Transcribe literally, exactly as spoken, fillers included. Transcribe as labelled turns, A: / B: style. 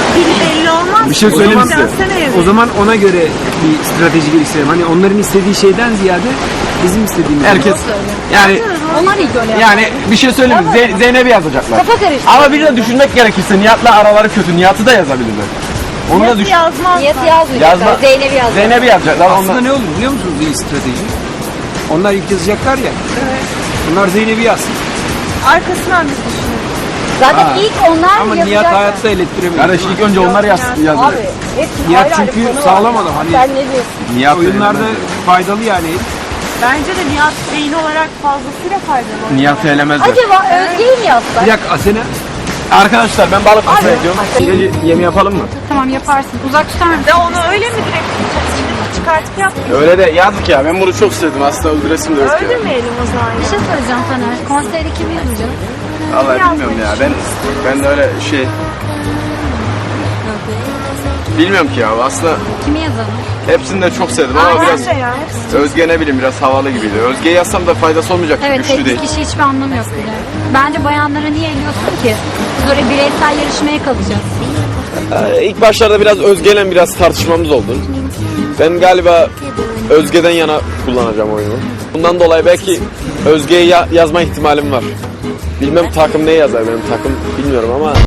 A: dili belli olmaz.
B: Bir şey
A: O
B: söyleyeyim
A: zaman
B: size.
A: sen evet.
B: O zaman ona göre bir strateji geliştirelim. Hani onların istediği şeyden ziyade bizim istediğimiz.
C: Herkes yani
D: Onlar ilk öyle yapar.
C: yani bir şey söyleyeyim mi? Ze- Zeynep'i yazacaklar.
D: Kafa karıştı.
C: Ama bir de düşünmek gerekirse Nihat'la araları kötü. Nihat'ı da yazabilirler. Onu da
A: Nasıl
C: düşün.
A: yazmaz?
D: Niyeti yazmayacaklar.
C: Yazma.
D: Zeynep'i yazacaklar.
C: Zeynep'i yazacaklar.
B: Aslında
C: Onlar...
B: ne olur biliyor musunuz iyi strateji? Onlar ilk yazacaklar ya.
A: Evet.
B: Bunlar Zeynep'i yazsın.
A: Arkasından biz düşünüyoruz.
D: Zaten
C: Ha.
D: ilk onlar
B: Ama Nihat
D: yazacaklar.
B: hayatta elettiremiyor.
C: Kardeş ilk önce onlar yaz, yazdı.
D: Abi hepsi
B: Nihat
D: ayrı ayrı
B: çünkü
D: konu var
B: sağlam
D: ya.
B: adam, hani-
D: Sen ne diyorsun?
C: Nihat
B: Oyunlarda faydalı yani.
A: Bence de Nihat beyin olarak fazlasıyla faydalı.
C: Nihat'ı elemezler.
D: Acaba Özge'yi mi yazsak?
B: Bir dakika Asena.
C: Arkadaşlar ben balık masaya ediyorum.
B: Gece yemi yapalım mı?
D: Tamam yaparsın. Uzak tutar mısın?
A: De onu öyle mi direkt tutacağız? Şimdi çıkartıp yapmayalım.
C: Öyle de yazık ya. Ben bunu çok sevdim. Aslında öldüresim de yok ya.
A: Öldürmeyelim o zaman.
D: Bir şey söyleyeceğim Taner. Konseri kim yazacak?
C: Vallahi bilmiyorum ya. Ben ben de öyle şey bilmiyorum ki ya. Aslında
D: Kimi yazalım?
C: hepsini de çok sevdim ama biraz
A: Bence ya. hepsi.
C: Özge ne bileyim biraz havalı gibiydi. Özge'yi yazsam da faydası olmayacak.
D: Evet,
C: Güçlü
D: tek
C: değil.
D: bir kişi hiçbir anlamı yok bile. Bence bayanlara niye eliyorsun ki? Biz oraya bireysel yarışmaya kalacağız.
C: Ee, ilk başlarda biraz Özge'yle biraz tartışmamız oldu. Ben galiba Özge'den yana kullanacağım oyunu. Bundan dolayı belki Özge'yi ya- yazma ihtimalim var. Bilmem takım ne yazar benim takım bilmiyorum ama